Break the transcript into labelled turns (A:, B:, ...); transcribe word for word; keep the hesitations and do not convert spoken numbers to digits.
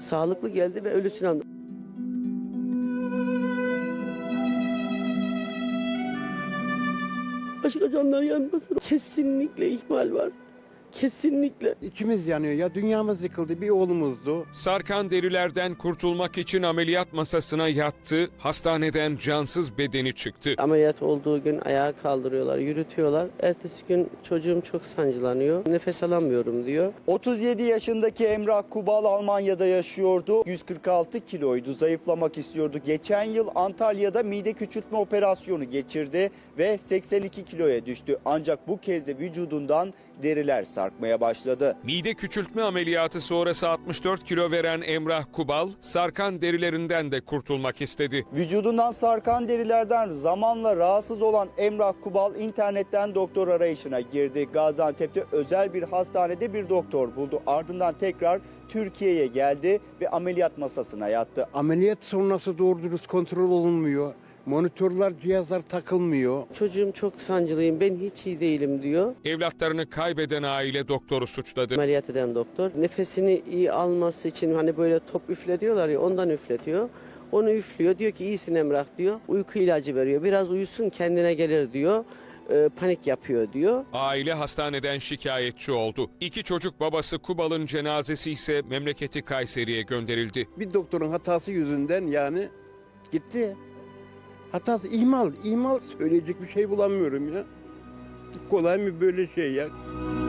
A: Sağlıklı geldi ve ölüsünü anladı. Başka canlar yanmasın. Kesinlikle ihmal var. Kesinlikle.
B: İçimiz yanıyor. Ya dünyamız yıkıldı. Bir oğlumuzdu.
C: Sarkan derilerden kurtulmak için ameliyat masasına yattı, hastaneden cansız bedeni çıktı.
A: Ameliyat olduğu gün ayağa kaldırıyorlar, yürütüyorlar. Ertesi gün çocuğum çok sancılanıyor. Nefes alamıyorum diyor.
D: otuz yedi yaşındaki Emrah Kubal Almanya'da yaşıyordu. yüz kırk altı kiloydu. Zayıflamak istiyordu. Geçen yıl Antalya'da mide küçültme operasyonu geçirdi ve seksen iki kiloya düştü. Ancak bu kez de vücudundan deriler sarkmaya başladı.
C: Mide küçültme ameliyatı sonrası altmış dört kilo veren Emrah Kubal, sarkan derilerinden de kurtulmak istedi.
D: Vücudundan sarkan derilerden zamanla rahatsız olan Emrah Kubal internetten doktor arayışına girdi. Gaziantep'te özel bir hastanede bir doktor buldu. Ardından tekrar Türkiye'ye geldi ve ameliyat masasına yattı.
B: Ameliyat sonrası doğru dürüst kontrol olunmuyor. Monitörler, cihazlar takılmıyor.
A: Çocuğum çok sancılıyım, ben hiç iyi değilim diyor.
C: Evlatlarını kaybeden aile doktoru suçladı.
A: Ameliyat eden doktor nefesini iyi alması için hani böyle top üfle diyorlar ya, ondan üfletiyor. Onu üflüyor, diyor ki iyisin Emrah diyor. Uyku ilacı veriyor, biraz uyusun kendine gelir diyor. Ee, panik yapıyor diyor.
C: Aile hastaneden şikayetçi oldu. İki çocuk babası Kubal'ın cenazesi ise memleketi Kayseri'ye gönderildi.
B: Bir doktorun hatası yüzünden yani gitti. Hatası ihmal, ihmal söyleyecek bir şey bulamıyorum ya. Kolay mı böyle şey ya?